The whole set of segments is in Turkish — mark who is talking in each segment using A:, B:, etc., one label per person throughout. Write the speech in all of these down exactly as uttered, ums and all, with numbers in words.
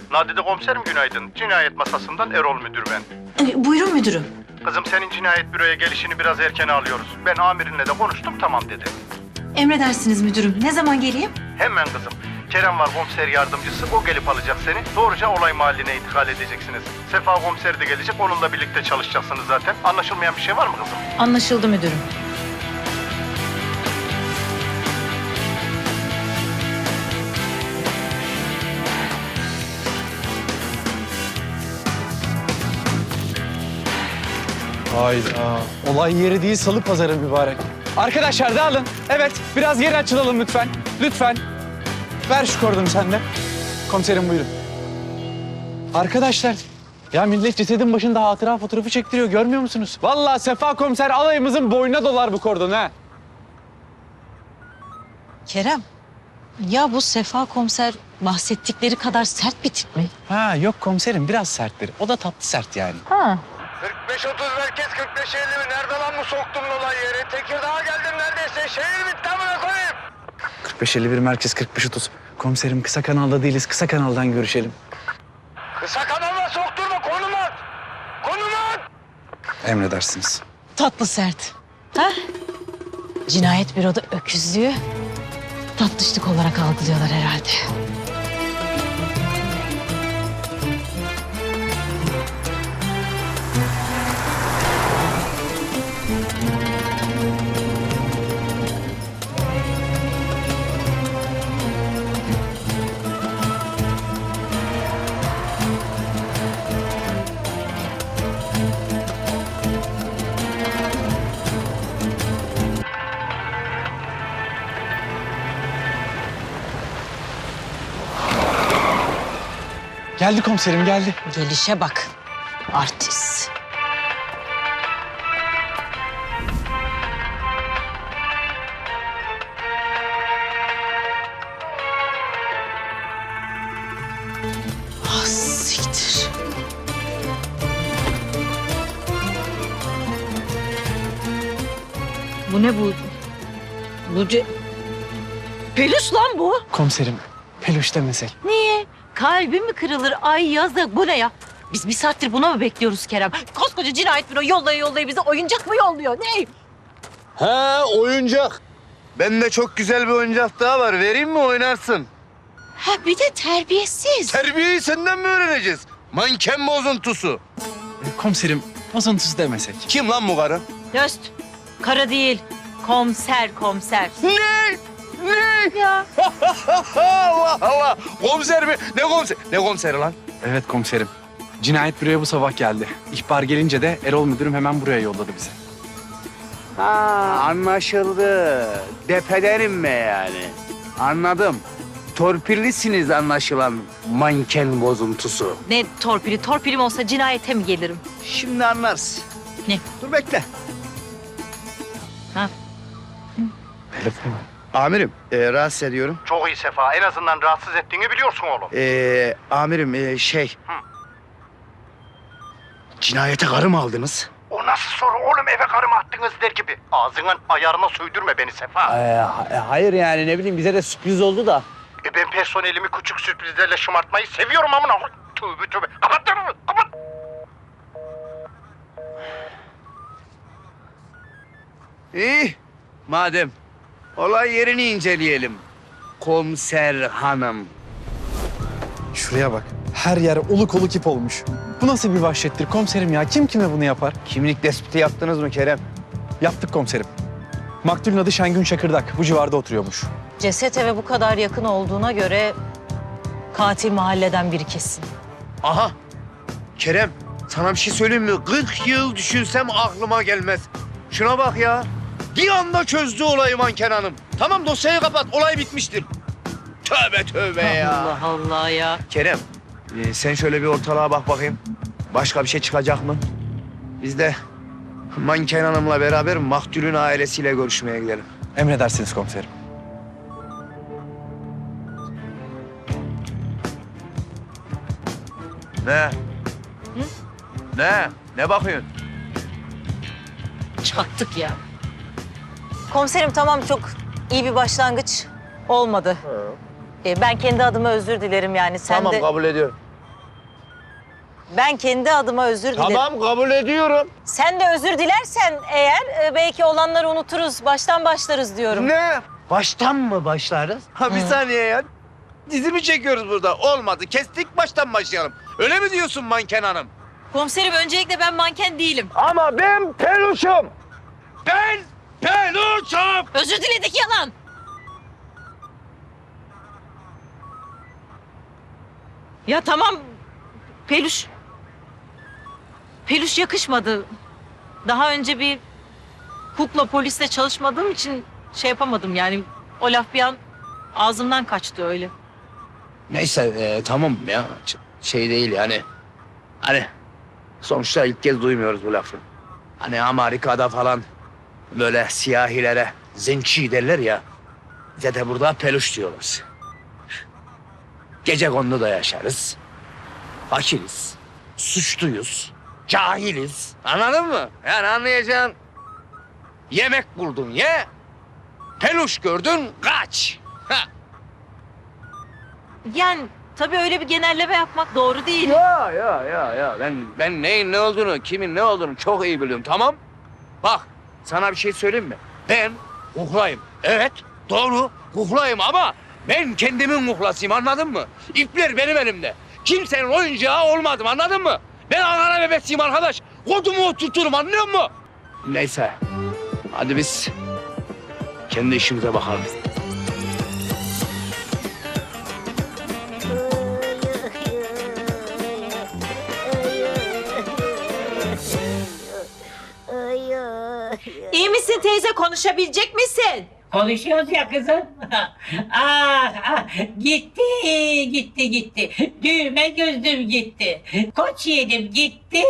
A: Nadide komiserim günaydın. Cinayet masasından Erol müdür ben.
B: E, buyurun müdürüm.
A: Kızım senin cinayet büroya gelişini biraz erken alıyoruz. Ben amirinle de konuştum, tamam dedi.
B: Emredersiniz müdürüm. Ne zaman geleyim?
A: Hemen kızım. Kerem var komiser yardımcısı, o gelip alacak seni. Doğruca olay mahalline intikal edeceksiniz. Sefa komiseri de gelecek, onunla birlikte çalışacaksınız zaten. Anlaşılmayan bir şey var mı kızım?
B: Anlaşıldı müdürüm.
C: Hayda. Olay yeri değil, salı pazarı mübarek. Arkadaşlar dağılın. Evet, biraz geri açılalım lütfen. Lütfen. Ver şu kordonu sen de. Komiserim buyurun. Arkadaşlar, ya millet cesedin başında hatıra fotoğrafı çektiriyor, görmüyor musunuz? Vallahi Sefa komiser alayımızın boynuna dolar bu kordon ha.
B: Kerem, ya bu Sefa komiser bahsettikleri kadar sert bir tip mi?
C: Ha yok komiserim, biraz serttir. O da tatlı sert yani.
B: Ha.
A: kırk beş otuz merkez, kırk beş elli mi? Nerede lan bu soktuğun olay yeri? Tekirdağ'a geldim neredeyse. Şehir bitti amına koyayım.
C: kırk beş elli bir merkez, kırk beş otuz. Komiserim kısa kanalda değiliz, kısa kanaldan görüşelim.
A: Kısa kanalına sokturma, konum at. Konum at.
C: Emredersiniz.
B: Tatlı sert. Ha? Cinayet büroda öküzlüğü tatlışlık olarak algılıyorlar herhalde.
C: Geldi komiserim, geldi.
B: Gelişe bak. Artist. Ah siktir. Bu ne bu? Bu ce... Pelüs lan bu.
C: Komiserim, peluş demesek.
B: Niye? Kalbim mi kırılır? Ay yazık, bu ne ya? Biz bir saattir buna mı bekliyoruz Kerem? Koskoca cinayet büro yollaya yollaya bize oyuncak mı yolluyor? Ne?
D: Ha oyuncak. Bende çok güzel bir oyuncak daha var. Vereyim mi oynarsın?
B: Ha bir de terbiyesiz.
D: Terbiyeyi senden mi öğreneceğiz? Manken bozuntusu.
C: Komiserim, bozuntusu demesek.
D: Kim lan bu karı?
B: Döst. Kara değil. Komiser, komiser.
D: Ne? Ne?
B: Ya.
D: Allah Allah. Komiser mi? Ne komiser? Ne komiseri lan?
C: Evet komiserim. Cinayet büroya bu sabah geldi. İhbar gelince de Erol müdürüm hemen buraya yolladı bizi.
D: Ha anlaşıldı. Depeden inme yani. Anladım. Torpillisiniz anlaşılan manken bozuntusu.
B: Ne torpili? Torpilim olsa cinayete mi gelirim?
D: Şimdi anlarsın.
B: Ne?
D: Dur bekle.
B: Ha?
C: Telefon.
D: Amirim, e, rahatsız ediyorum.
A: Çok iyi Sefa, en azından rahatsız ettiğini biliyorsun oğlum.
D: Ee, amirim e, şey...
A: Hı.
D: Cinayete karı mı aldınız?
A: O nasıl soru oğlum, eve karımı attınız der gibi. Ağzının ayarına söydürme beni Sefa.
D: Ee, hayır yani ne bileyim bize de sürpriz oldu da.
A: E ben personelimi küçük sürprizlerle şımartmayı seviyorum amına. Tövbe tövbe. Kapat lan onu, kapat.
D: İyi, madem. Olay yerini inceleyelim. Komiser hanım.
C: Şuraya bak. Her yer oluk oluk ip olmuş. Bu nasıl bir vahşettir komiserim ya? Kim kime bunu yapar?
D: Kimlik tespiti yaptınız mı Kerem?
C: Yaptık komiserim. Maktulün adı Şengün Çakırdak. Bu civarda oturuyormuş.
B: Ceset eve bu kadar yakın olduğuna göre katil mahalleden biri kesin.
D: Aha. Kerem, sana bir şey söyleyeyim mi? kırk yıl düşünsem aklıma gelmez. Şuna bak ya. Bir anda çözdü olayı manken hanım. Tamam dosyayı kapat, olay bitmiştir. Tövbe tövbe ya.
B: Allah Allah ya.
D: Kerem, e, sen şöyle bir ortalığa bak bakayım. Başka bir şey çıkacak mı? Biz de manken hanımla beraber maktulün ailesiyle görüşmeye gidelim.
C: Emredersiniz komiserim.
D: Ne? Ne? Ne bakıyorsun?
B: Çattık ya. Komiserim tamam, çok iyi bir başlangıç olmadı. Ee, ben kendi adıma özür dilerim yani. Sen
D: Tamam
B: de...
D: kabul ediyorum.
B: Ben kendi adıma özür dilerim.
D: Tamam kabul ediyorum.
B: Sen de özür dilersen eğer e, belki olanları unuturuz, baştan başlarız diyorum.
D: Ne? Baştan mı başlarız? Ha bir saniye ya. Dizi mi çekiyoruz burada? Olmadı. Kestik baştan başlayalım. Öyle mi diyorsun manken hanım?
B: Komiserim öncelikle ben manken değilim.
D: Ama ben peluşum. Ben peluşum.
B: Özür diledik yalan. Ya tamam. Peluş. Peluş yakışmadı. Daha önce bir kukla polisle çalışmadığım için şey yapamadım yani. O laf bir an ağzımdan kaçtı öyle.
D: Neyse e, tamam ya. Ç- Şey değil yani. Hani sonuçta ilk kez duymuyoruz bu lafı. Hani Amerika'da falan böyle siyahilere zenci derler ya. Bize de burada peluş diyorlar. Gecekonduda yaşarız. Fakiriz. Suçluyuz. Cahiliz. Anladın mı? Yani anlayacağın yemek buldun ye. Peluş gördün kaç. Ha.
B: Yani tabii öyle bir genelleme yapmak doğru değil.
D: Ya ya ya ya ben ben neyin ne olduğunu, kimin ne olduğunu çok iyi biliyorum tamam? Bak sana bir şey söyleyeyim mi? Ben kuklayım. Evet doğru kuklayım ama ben kendimin kuklasıyım anladın mı? İpler benim elimde. Kimsenin oyuncağı olmadım anladın mı? Ben Ankara bebesiyim arkadaş. Kodumu oturturum anlıyor musun? Neyse hadi biz kendi işimize bakalım.
B: İyi misin teyze, konuşabilecek misin?
E: Konuşuyoruz ya kızım. ah, ah, gitti, gitti, gitti. Düğme gözlüm gitti. Koç yedim gitti.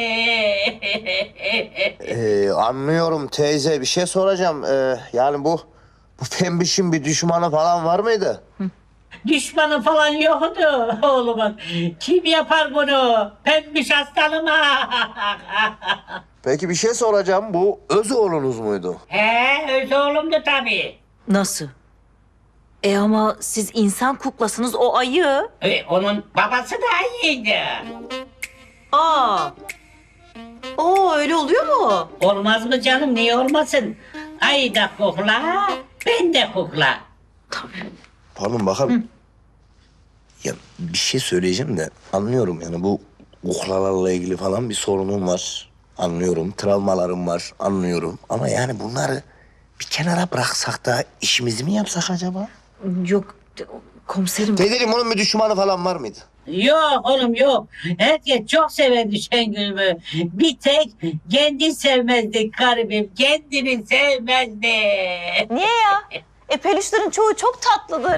F: Ee, anlıyorum teyze. Bir şey soracağım. Ee, yani bu bu pembişin bir düşmanı falan var mıydı?
E: Düşmanı falan yoktu oğlumun. Kim yapar bunu? Pembiş hastalığıma.
F: Peki bir şey soracağım. Bu öz oğlunuz muydu?
E: He, öz oğlumdu tabii.
B: Nasıl? E ama siz insan kuklasınız, o ayı.
E: E, onun babası da iyiydi.
B: Aa. Oo, öyle oluyor mu?
E: Olmaz mı canım, niye olmasın? Ay da kukla, ben de kukla.
F: Pardon bakalım. Ya bir şey söyleyeceğim de anlıyorum yani bu kuklalarla ilgili falan bir sorunum var. Anlıyorum. Travmalarım var. Anlıyorum. Ama yani bunları bir kenara bıraksak da işimizi mi yapsak acaba?
B: Yok komiserim.
F: Teyzeciğim onun bir düşmanı falan var mıydı?
E: Yok oğlum yok. Herkes çok severdi Şengül'ümü. Bir tek kendi sevmezdi garibim. Kendini sevmezdi.
B: Niye ya? E peluşların çoğu çok tatlıdır.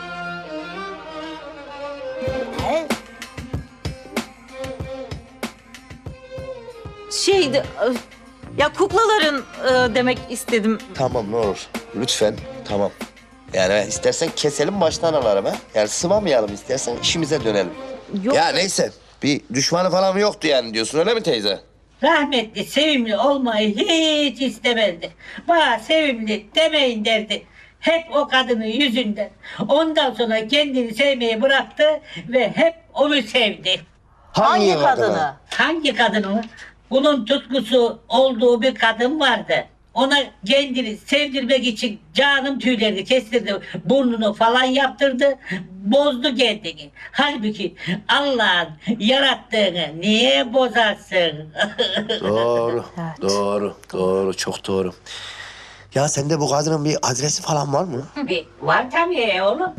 B: Şeydi, e, ya kuklaların e, demek istedim.
F: Tamam ne olur. Lütfen. Tamam. Yani istersen keselim baştan alalım ha. Yani sıvamayalım istersen işimize dönelim.
B: Yok.
F: Ya neyse. Bir düşmanı falan yoktu yani diyorsun öyle mi teyze?
E: Rahmetli sevimli olmayı hiç istemezdi. Bana sevimli demeyin derdi. Hep o kadının yüzünden. Ondan sonra kendini sevmeyi bıraktı ve hep onu sevdi.
B: Hangi kadını?
E: Hangi kadını? Bunun tutkusu olduğu bir kadın vardı. Ona kendini sevdirmek için canım tüylerini kestirdi. Burnunu falan yaptırdı. Bozdu kendini. Halbuki Allah'ın yarattığını niye bozarsın?
F: Doğru.
B: Evet.
F: Doğru. Doğru. Çok doğru. Ya sende bu kadının bir adresi falan var mı?
E: Bir, var tabii oğlum.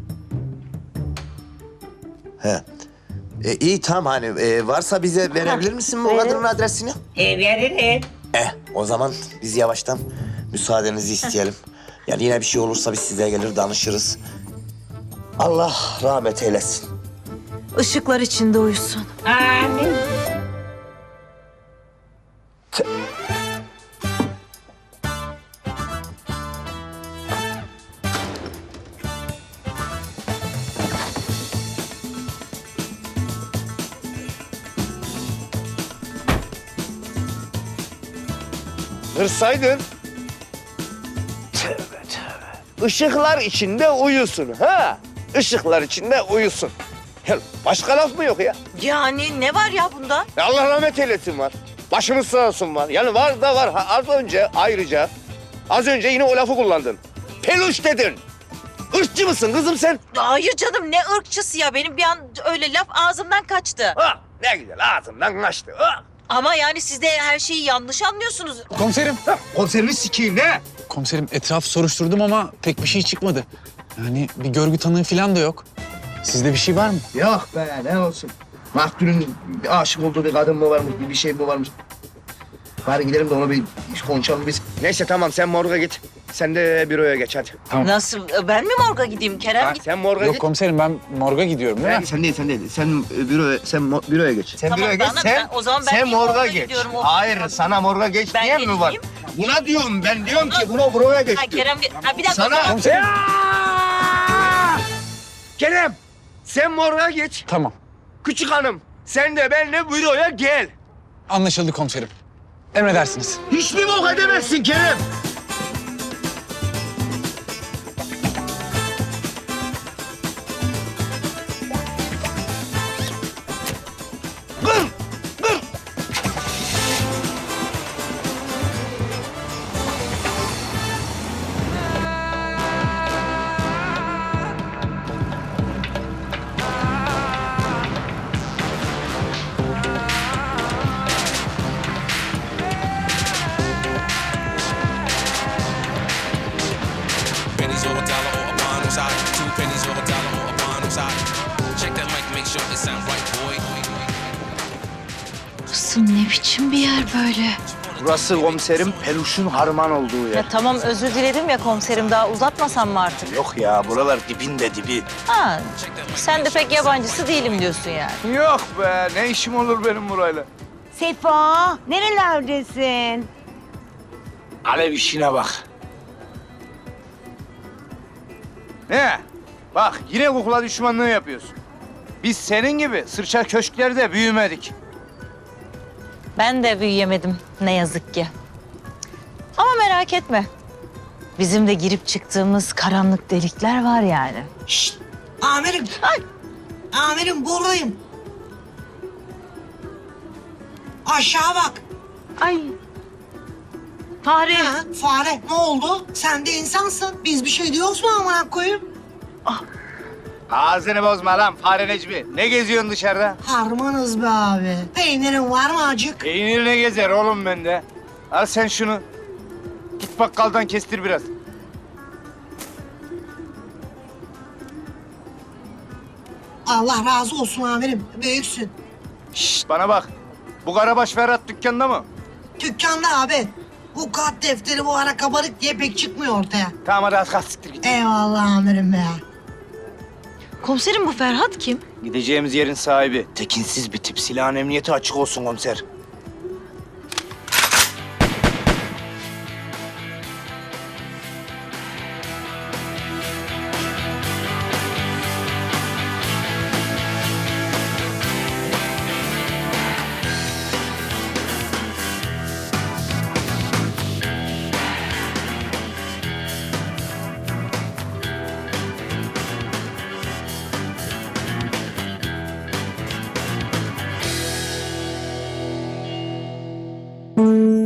F: He. E, iyi tamam hani e, varsa bize verebilir misin bu kadının adresini?
E: E, veririm.
F: Eh o zaman biz yavaştan müsaadenizi isteyelim. Yani yine bir şey olursa biz size gelir danışırız. Allah rahmet eylesin.
B: Işıklar içinde uyusun.
E: Amin.
D: Hırsaydın. Tövbe tövbe. Işıklar içinde uyusun ha. Işıklar içinde uyusun. Ya başka laf mı yok ya?
B: Yani ne var ya bunda?
D: Ya Allah rahmet eylesin var. Başımız sağ olsun var. Yani var da var. Ha, az önce ayrıca az önce yine o lafı kullandın. Peluş dedin. Irkçı mısın kızım sen?
B: Hayır canım ne ırkçısı ya. Benim bir an öyle laf ağzımdan kaçtı.
D: Ha, ne güzel ağzımdan kaçtı. Ha.
B: Ama yani siz de her şeyi yanlış anlıyorsunuz.
C: Komiserim.
D: Konserini sikeyim ne?
C: Komiserim etraf soruşturdum ama pek bir şey çıkmadı. Yani bir görgü tanığı falan da yok. Sizde bir şey var mı?
D: Yok be ne olsun. Maktulün aşık olduğu bir kadın mı varmış, bir şey mi varmış? Bari gidelim de onu bir konuşalım biz. Neyse tamam sen morga git. Sen de büroya geç hadi.
B: Nasıl? Ben mi morga gideyim Kerem?
D: Ha,
B: Git.
D: sen morga
C: Yok
D: git.
C: komiserim ben morga gidiyorum değil
D: Ben,
C: mi?
D: sen değil sen değil. Sen e, büroya sen mo- büroya geç. Sen
B: Tamam,
D: büroya geç.
B: bana-
D: Sen
B: ben- o zaman ben
D: sen
B: niye
D: morga
B: morga
D: geç.
B: gidiyorum? O-
D: Hayır sana morga geç
B: Ben
D: diyen mi var?
B: geçeyim.
D: Buna diyorum ben diyorum ki buna büroya geç.
B: Ha,
D: diyor.
B: Kerem ge- ha, bir dakika.
D: Sana
C: Komiserim.
D: Kerem sen morga geç.
C: Tamam.
D: Küçük hanım sen de benimle büroya gel.
C: Anlaşıldı komiserim. Emredersiniz.
D: Hiç mi bok edemezsin Kerem? Kır! Kır!
G: Pennies or a dollar or a bond on side. Two pennies or a dollar or a bond on side. Check that mic, make sure it sound right, boy.
B: Burası ne biçim bir yer böyle?
D: Burası komiserim peluşun harman olduğu yer.
B: Ya tamam özür diledim ya komiserim daha uzatmasam mı artık?
F: Yok ya buralar dibinde dibi.
B: Ha, sen de pek yabancısı değilim diyorsun yani.
D: Yok be ne işim olur benim burayla.
H: Sefa, nerelerdesin?
F: Alev işine bak.
D: Ne? Bak yine kukla düşmanlığı yapıyorsun. Biz senin gibi sırça köşklerde büyümedik.
B: Ben de büyüyemedim ne yazık ki. Ama merak etme. Bizim de girip çıktığımız karanlık delikler var yani.
H: Amirim. Ay. Amirim buradayım. Aşağı bak.
B: Ay. Fare.
H: Ha, fare ne oldu? Sen de insansın. Biz bir şey diyoruz mu amına koyayım?
D: Ağzını bozma lan fare Necmi. Ne geziyorsun dışarıda?
H: Harmanız be abi. Peynirin var mı acık?
D: Peynir ne gezer oğlum bende? Al sen şunu. Git bakkaldan kestir biraz.
H: Allah razı olsun amirim. Büyüksün.
D: Şşt bana bak. Bu Karabaş Ferhat dükkanda mı?
H: Dükkanda abi. Bu kat defteri bu ara kabarık diye pek çıkmıyor ortaya.
D: Tamam hadi az kalk siktir git.
H: Eyvallah amirim be.
B: Komiserim bu Ferhat kim?
D: Gideceğimiz yerin sahibi.
F: Tekinsiz bir tip. Silahın emniyeti açık olsun komiser.
H: Müzik